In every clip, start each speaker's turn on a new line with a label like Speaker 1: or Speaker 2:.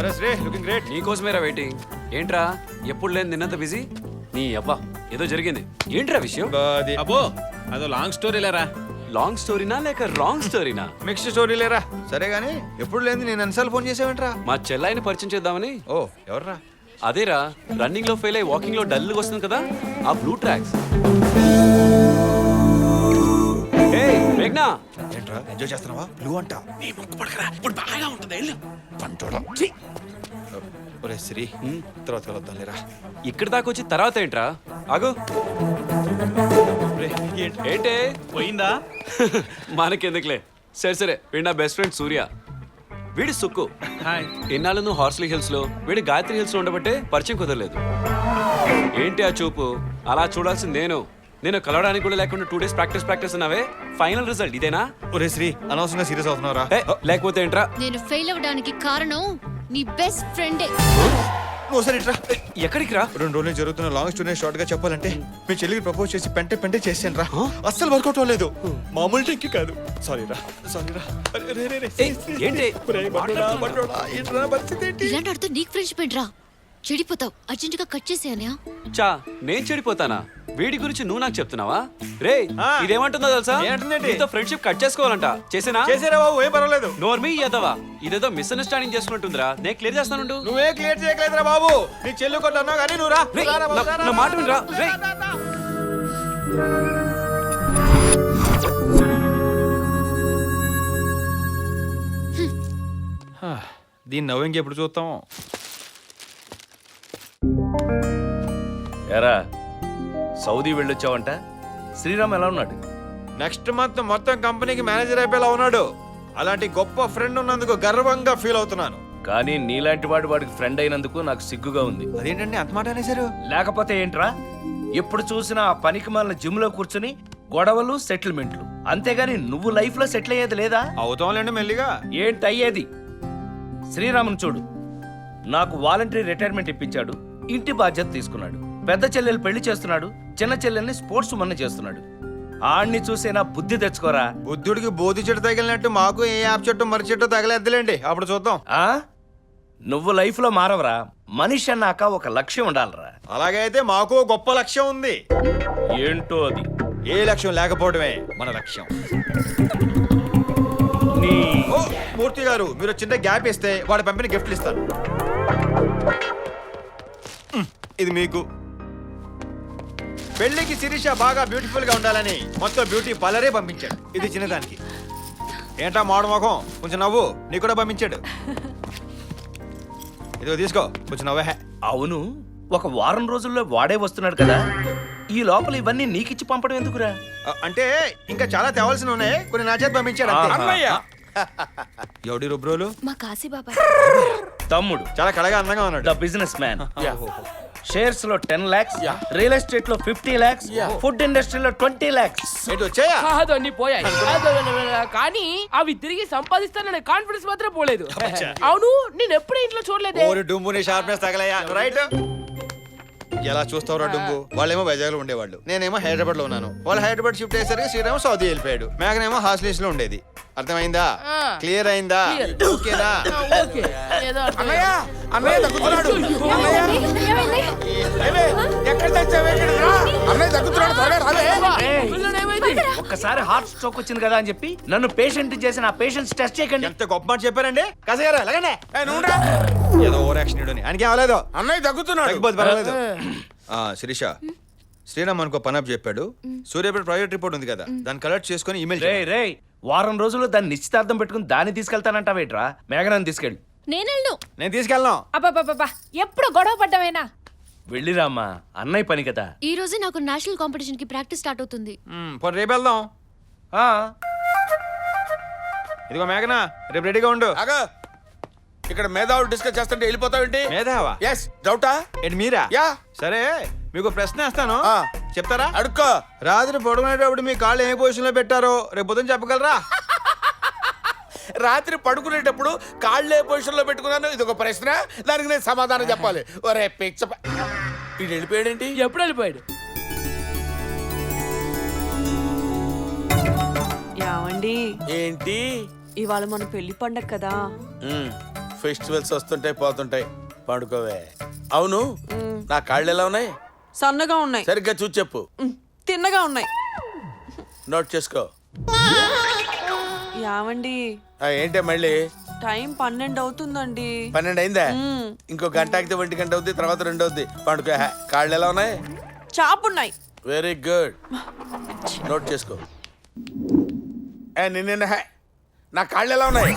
Speaker 1: అరే Sri looking great.
Speaker 2: నీకోసమేరా waiting. ఏంట్రా ఎప్పుడు లేని నిన్నంత బిజీ? నీ అబ్బా ఏదో జరిగింది. ఏంట్రా విషయం?
Speaker 3: అబ్బో అదో లాంగ్ స్టోరీ లేరా.
Speaker 2: లాంగ్ స్టోరీనా లేక రాంగ్ స్టోరీనా?
Speaker 1: మిక్స్డ్ స్టోరీ లేరా. సరే గానీ ఎప్పుడు లేని నేను ఎన్నిసార్లు ఫోన్ చేసావేంట్రా?
Speaker 2: మా చెల్లాయిని పరిచయం చేద్దామని.
Speaker 1: ఓ ఎవర్రా?
Speaker 2: అదేరా రన్నింగ్ లో ఫెయిల్ అయ్యి వాకింగ్ లో డల్ వస్తుంది కదా, ఆ బ్లూ ట్రాక్స్. మేఘ్నా
Speaker 1: ఏంట్రా ఎంజాయ్ చేస్తున్నావా? బ్లూ అంట.
Speaker 3: నీ ముక్కు పడకరా, ఇప్పుడు బాగా ఉంటుంది. వెళ్ళు.
Speaker 1: ఒరే శ్రీ తర్వాత కలుద్దాం లేరా.
Speaker 2: ఇక్కడ దాకా వచ్చి తర్వాత ఏంట్రా? ఆగు. ఏంటే
Speaker 3: పోయిందా?
Speaker 2: మనకెందుకులే. సరే సరే, వీడు నా బెస్ట్ ఫ్రెండ్ సూర్య. వీడి సుక్కు.
Speaker 3: హాయ్.
Speaker 2: ఇన్నాళ్ళు నువ్వు హార్స్లీ హిల్స్ లో, వీడి గాయత్రి హిల్స్ లో ఉండబట్టే పరిచయం కుదరలేదు. ఏంటి ఆ చూపు? అలా చూడాల్సింది నేను కలవడానికి కూడా లేకుండా 2 days ప్రాక్టీస్ అన్నావే. ఫైనల్ రిజల్ట్ ఇదేనా?
Speaker 1: ఒరే శ్రీ అనవసరంగా సీరియస్ అవుతున్నావురా.
Speaker 2: లేకపోతే ఏంట్రా?
Speaker 4: నేను ఫెయిల్ అవ్వడానికి కారణం నీ బెస్ట్ ఫ్రెండే.
Speaker 1: నువ్వు సరే ఇట్రా.
Speaker 2: ఎక్కడికి రా?
Speaker 1: 2 రోజులు జరుగుతున్న లాంగ్ స్టోరీ షార్ట్ గా చెప్పాలంటే మీ చెల్లికి ప్రపోజ్ చేసి పెంటే చేసాను రా. అస్సలు వర్కౌట్ అవ్వలేదు. మామూలు టెక్కి కాదు. సారీ రా.
Speaker 2: ఏంటి
Speaker 1: పరిస్థితి ఏంటి?
Speaker 4: ఇలాంటి అడితే నీకు ఫ్రెండ్షిప్ ఏంట్రా? చెడిపోతావు. అర్జెంట్ గా కట్ చేసేయనా?
Speaker 2: చా నేను చెడిపోతానా? వీడి గురించి నువ్వు నాకు చెప్తున్నావా? రే ఇదేమంటుందో తెలుసా? నీతో ఫ్రెండ్షిప్ కట్ చేసుకోవాలంట. చేసేనా?
Speaker 1: చేసారా బాబు, ఏం పర్వాలేదు.
Speaker 2: నోర్మీ ఎదవా, ఇదేదో మిస్అండర్స్టాండింగ్ చేసుకుంటుందిరా. నేను క్లియర్ చేస్తాను.
Speaker 1: నువ్వే క్లియర్ చేయట్లేదురా బాబు. నీ చెల్లి కొట్టన్నావు కానీ నువ్వు రా.
Speaker 2: నా మాట వినరా. రే
Speaker 1: దీన్ని నవ్వు ఎప్పుడు చూస్తాం?
Speaker 5: ఎరా సౌదీ వెళ్ళొచ్చావంట. శ్రీరామ్ ఎలా ఉన్నాడు?
Speaker 1: నెక్స్ట్ మంత్ మొత్తం కంపెనీకి మేనేజర్ అయిపోయేలా ఉన్నాడు. అలాంటి గొప్ప ఫ్రెండ్ ఉన్నందుకు గర్వంగా ఫీల్ అవుతున్నాను.
Speaker 5: కానీ నీలాంటి వాడికి ఫ్రెండ్ అయినందుకు నాకు సిగ్గుగా ఉంది.
Speaker 1: అదేంటండి అంత మాట అనేసారు?
Speaker 5: లేకపోతే ఏంట్రా, ఎప్పుడు చూసినా ఆ పనికి మాలిన జిమ్ లో కూర్చుని గొడవలు సెటిల్మెంట్లు, అంతేగాని నువ్వు లైఫ్ లో సెటిల్ అయ్యేది లేదా?
Speaker 1: అవుతాంలేండి మెల్లిగా.
Speaker 5: ఏంటి అయ్యేది? శ్రీరాముని చూడు, నాకు వాలంటరీ రిటైర్మెంట్ ఇప్పించాడు, ఇంటి బాధ్యత తీసుకున్నాడు, పెద్ద చెల్లెలు పెళ్లి చేస్తున్నాడు, చిన్న చెల్లెల్ని స్పోర్ట్స్ ఉమెన్ చేస్తున్నాడు. ఆడిని చూసేనా బుద్ధి తెచ్చుకోరా.
Speaker 1: బుద్ధుడికి బోధి చెట్టు తగిలినట్టు మాకు ఏ యాప్ చెట్టు మర్రి చెట్టు తగలేద్దులేండి, అప్పుడు చూద్దాం.
Speaker 5: ఆ నువ్వు లైఫ్ లో మారవరా. మనిషి అన్నాక ఒక లక్ష్యం ఉండాలరా.
Speaker 1: అలాగే అయితే మాకు గొప్ప లక్ష్యం ఉంది.
Speaker 5: ఏంటో అది?
Speaker 1: ఏ లక్ష్యం లేకపోవడమే మన లక్ష్యం. ఓ మూర్తి గారు, మీరు చిన్న గ్యాప్ ఇస్తే వాడు పంపిన గిఫ్ట్లు ఇస్తాను. ఇది మీకు. పెళ్లికి శిరీష బాగా బ్యూటిఫుల్ గా ఉండాలని మొత్తం బ్యూటీ పార్లరే పంపించాడు. ఇది చిన్నదానికి. ఏంటా మాడు మొఖం, కొంచెం నవ్వు. నీకు కూడా పంపించాడు. ఇదిగో తీసుకో, కొంచెం నవ్వే.
Speaker 5: అవును, ఒక వారం రోజుల్లో వాడే వస్తున్నాడు కదా, ఈ లోపల ఇవన్నీ నీకిచ్చి పంపడం ఎందుకురా?
Speaker 1: అంటే ఇంకా చాలా తేవాల్సిన ఉన్నాయి, కొన్ని నా చేతి పంపించాడు అంతే. ఎవడి రుబ్రోలు?
Speaker 4: మా కాశీ బాబాయ్
Speaker 5: తమ్ముడు.
Speaker 1: చాలా కళగా అందంగా ఉన్నాడు.
Speaker 5: The business man. షేర్స్ లో 10 lakhs, రియల్ ఎస్టేట్ లో 50 lakhs, ఫుడ్ ఇండస్ట్రీలో 20 lakhs.
Speaker 1: ఏంటి వచ్చాయా?
Speaker 6: కాదు అన్ని పోయాయి. కానీ అవి తిరిగి సంపాదిస్తాననే కాన్ఫిడెన్స్ మాత్రం పోలేదు. అవును, నేను ఎప్పుడు ఇంట్లో చూడలేదు.
Speaker 1: ఓరి డుంబు, నీ షార్ప్నెస్ తగలయ్యా. రైట్. ఎలా చూస్తావురా డుంబు? వాళ్ళేమో వైజాగ్ లో ఉండేవాళ్ళు, నేనేమో హైదరాబాద్ లో ఉన్నాను. వాళ్ళు హైదరాబాద్ షిఫ్ట్ అయ్యేసరికి శ్రీరామ్ సౌదీ వెళ్ళిపోయాడు. మేఘనేమో హాస్టల్స్ లో ఉండేది. అర్థమైందా? క్లియర్ అయిందా? ఓకేనా?
Speaker 6: ఓకే, ఏదో
Speaker 5: ఒక్కసారి హార్ట్ స్ట్రోక్ వచ్చింది కదా అని చెప్పి నన్ను పేషెంట్ చేసిన ఆ పేషెంట్స్ టెస్ట్ చేయకండి.
Speaker 1: ఎంత గొప్ప మాట చెప్పారండి. కసగారా ఎలాగనే ఏదో ఓవర్ యాక్షన్ ఇడని ఆయనకి అవ్వలేదు.
Speaker 3: అన్నయ్య తగ్గుతున్నాడు.
Speaker 1: తగ్గిపోతే పర్వాలేదు. శిరీష, శ్రీరామ్ అనుకో పనప్ చెప్పాడు. సూర్యాపేట ప్రాజెక్ట్ రిపోర్ట్ ఉంది కదా, దాన్ని కలెక్ట్ చేసుకుని ఇమెయిల్.
Speaker 5: రే వారం రోజుల్లో దాన్ని నిశ్చితార్థం పెట్టుకుని దాన్ని తీసుకెళ్తానంటావేట్రా? మేఘనాన్ని తీసుకెళ్ళి.
Speaker 1: నేను తీసుకెళ్ళను.
Speaker 6: అబ్బా ఎప్పుడు గొడవ పడ్డావేనా?
Speaker 5: వెళ్ళిరామ్మా, అన్నయ్య పని కదా.
Speaker 4: ఈ రోజే నాకు నేషనల్ కాంపిటీషన్ కి ప్రాక్టీస్ స్టార్ట్ అవుతుంది.
Speaker 1: పోనీ రేపు వెళ్దాం. ఇదిగో మేఘనా, రేపు రెడీగా ఉండు.
Speaker 3: ఇక్కడ మేధావులు డిస్కస్ చేస్తుంటే వెళ్ళిపోతావేంటి?
Speaker 1: మేధావా?
Speaker 3: ఎస్. డౌటా?
Speaker 1: ఏంటి మీరా?
Speaker 3: యా.
Speaker 1: సరే, మీకు ప్రశ్న వేస్తాను, చెప్తారా?
Speaker 3: అడుక్కో.
Speaker 1: రాత్రి పడుకునేటప్పుడు మీ కాళ్ళు ఏ పొజిషన్ లో పెట్టారో రేపు పొద్దున చెప్పగలరా?
Speaker 3: రాత్రి పడుకునేటప్పుడు కాళ్ళు ఏ పొజిషన్ లో పెట్టుకున్నాను, ఇది ఒక ప్రశ్న, దానికి నేను సమాధానం చెప్పాలి. ఒరే పిచ్చ, ఇది వెళ్ళిపోయాడేంటి?
Speaker 6: ఎప్పుడు వెళ్ళిపోయాడు?
Speaker 7: యావండి,
Speaker 3: ఏంటి?
Speaker 7: ఇవాళ మన పెళ్లి పండగ కదా,
Speaker 3: ఫెస్టివల్స్ వస్తుంటాయి పోతుంటాయి, పండుకోవే. అవును, నా కాళ్ళు ఎలా ఉన్నాయి?
Speaker 7: సన్నగా ఉన్నాయి.
Speaker 3: సరిగ్గా చూసి చెప్పు.
Speaker 7: తిన్నగా ఉన్నాయి.
Speaker 3: నోట్ చేసుకో.
Speaker 7: యావండి,
Speaker 3: ఏంటే మళ్ళీ
Speaker 7: టైం 12 అవుతుందండి.
Speaker 3: 12 అయిందా? ఇంకో గంట ఆగితే 1 గంట అవుద్ది, తర్వాత 2 అవుద్ది. పండుకో. కాళ్ళు ఎలా ఉన్నాయి?
Speaker 7: చాపున్నాయి.
Speaker 3: వెరీ గుడ్, నోట్ చేసుకో. నిన్న నా కాళ్ళు ఎలా ఉన్నాయి?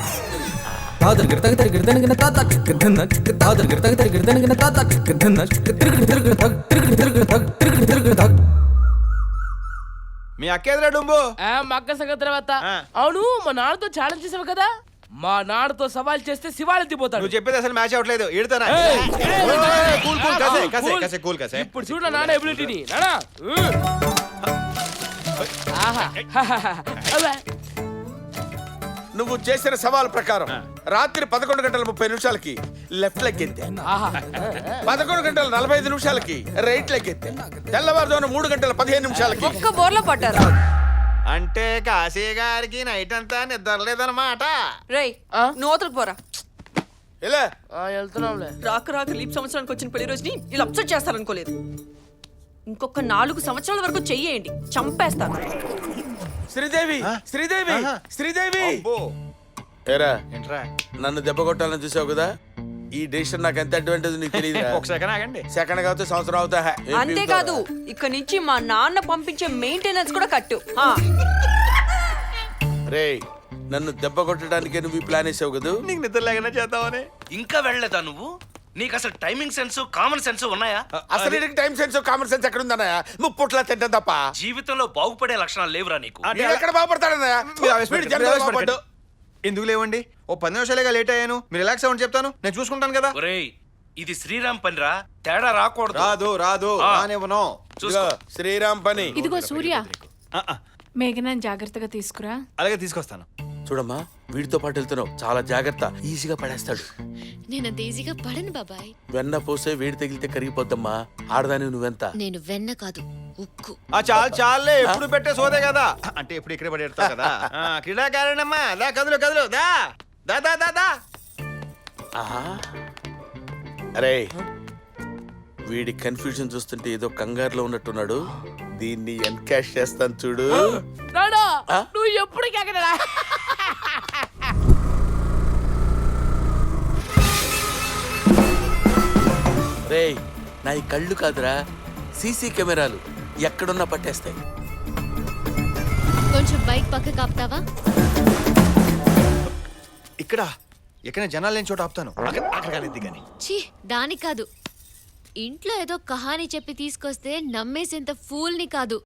Speaker 1: మీ అక్కేదిరా డుంబు.
Speaker 6: మా అక్క సంగతి తర్వాత.
Speaker 1: ఆ.
Speaker 6: అవును, మా నాన్నతో ఛాలెంజ్ చేసావు కదా, మా నాన్నతో సవాల్ చేస్తే శివాలెత్తిపోతాడు.
Speaker 1: నువ్వు చెప్పేది అసలు మ్యాచ్ అవ్వట్లేదు. ఈడతానా?
Speaker 6: ఏయ్,
Speaker 1: కూల్ కూల్ కసే కసే
Speaker 6: కూల్.
Speaker 1: కసే కూల్ కసే.
Speaker 6: ఇప్పుడు చూడు నాన్న ఎబిలిటీని. నానా
Speaker 3: నువ్వు చేసిన సవాల్ ప్రకారం రాత్రి 11 గంటల 30 నిమిషాలకి లెఫ్ట్ లెగ్ ఎత్తే, 11 గంటల 45 నిమిషాలకి రైట్ లెగ్ ఎత్తే, తెల్లవారుజామున 3 గంటల 15 నిమిషాలకి
Speaker 7: ఒక్క బోర్లో పడ్డారు.
Speaker 1: అంటే కాశీ గారికి నైట్ అంతా నిద్ర లేదన్నమాట.
Speaker 7: రేయ్, నూతలకు పోరా.
Speaker 3: ఇలా
Speaker 6: వెళ్తున్నాంలే.
Speaker 7: రాక రాక లీప్ సంవత్సరానికి వచ్చిన పెళ్లి రోజుని ఇలా అప్సెట్ చేస్తారనుకోలేదు. ఇంకొక 4 సంవత్సరాల వరకు చెయ్యేయండి, చంపేస్తాను.
Speaker 3: శ్రీదేవి, శ్రీదేవి, శ్రీదేవి.
Speaker 1: అబ్బో.
Speaker 3: ఏరా,
Speaker 1: ఏంట్రా?
Speaker 3: నన్ను దెబ్బ కొట్టాలని చూసావు కదా, ఈ డెసిషన్ నాకు ఎంత అడ్వాంటేజ్ నీకు తెలియదు.
Speaker 1: ఒక సెకండ్ ఆగండి.
Speaker 3: సెకండ్ కాకపోతే సంవత్సరం అవుతా.
Speaker 7: అంతేకాదు, ఇక్కడ నుంచి మా నాన్న పంపించే మెయింటెనెన్స్ కూడా కట్టు.
Speaker 3: రే, నన్ను దెబ్బ కొట్టడానికే నువ్వు ఈ ప్లాన్ వేసావు కదా.
Speaker 1: నీకు నిద్ర లేకుండా చేద్దామని.
Speaker 5: ఇంకా వెళ్ళలేదా నువ్వు? నీకు అసలు టైమింగ్ సెన్స్, కామన్ సెన్స్ ఉన్నాయా?
Speaker 3: అసలు నీకు టైం సెన్స్ కామన్ సెన్స్ ఎక్కడ ఉందన్నయ్య? ముప్పుట్లా తింటాం తప్ప
Speaker 5: జీవితంలో బాగుపడే లక్షణాలు లేవురా నీకు.
Speaker 3: నేను ఎక్కడ బాగుపడతాడన్నయ్య? వీడు జన్మలో బాగుపడ్డు.
Speaker 1: ఎందుకు లేవండి? ఓ 10 నిమిషాలుగా లేట్ అయ్యాను. మీరు రిలాక్స్ అవ్వండి, చెప్తాను. నేను చూసుకుంటాను కదా.
Speaker 5: ఒరేయ్, ఇది శ్రీరామ్ పనిరా, తేడా రాకూడదు.
Speaker 1: రాదు రాదు రానివ్వను.
Speaker 3: ఇదిగో, శ్రీరామ్ పని.
Speaker 8: ఇదిగో సూర్య,
Speaker 1: ఆ, ఆ,
Speaker 8: మేఘనాన్ని జాగ్రత్తగా తీసుకురా.
Speaker 1: అలాగే తీసుకొస్తాను.
Speaker 3: చూడమ్మా, వీడితో పాటు వెళ్తున్నావు, చాలా జాగ్రత్త. ఈజీగా పడేస్తాడు.
Speaker 4: నేనంత ఈజీగా పడను బాబాయ్.
Speaker 3: వెన్న పోసే వేడి తగిలితే కరిగిపోద్దమ్మా. ఆడదాని నువ్వెంత?
Speaker 4: నేను వెన్న కాదు, ఉక్కు.
Speaker 1: ఆ చాలు చాలే, ఎప్పుడు పెట్టే సోదే కదా. అంటే ఎప్పుడు ఇక్కడే పడేస్తావు కదా. క్రీడాకారణమ్మా, దా కదులు కదులు, దా దా దా దా దా.
Speaker 3: ఆహా. అరే, వీడి కన్ఫ్యూజన్ చూస్తుంటే ఏదో కంగారులో ఉన్నట్టున్నాడు. దీన్ని ఎన్కాష్ చేస్తాను చూడు.
Speaker 6: నానా,
Speaker 3: ఆ?
Speaker 6: నువ్వు ఎప్పుడు కేకడా?
Speaker 3: రే, నా ఈ కళ్ళు కాదురా, సీసీ కెమెరాలు ఎక్కడున్నా పట్టేస్తాయి.
Speaker 4: కొంచెం బైక్ పక్క కాపుతావా?
Speaker 1: ఇక్కడ ఎక్కడ జనాలు లేని చోట ఆపుతాను. అక్కడ కాలేదు కానీ.
Speaker 4: ఛీ, దానికి కాదు. ఇంట్లో ఏదో కహాని చెప్పి తీసుకొస్తే నమ్మేసేంత ఫూల్ని కాదు.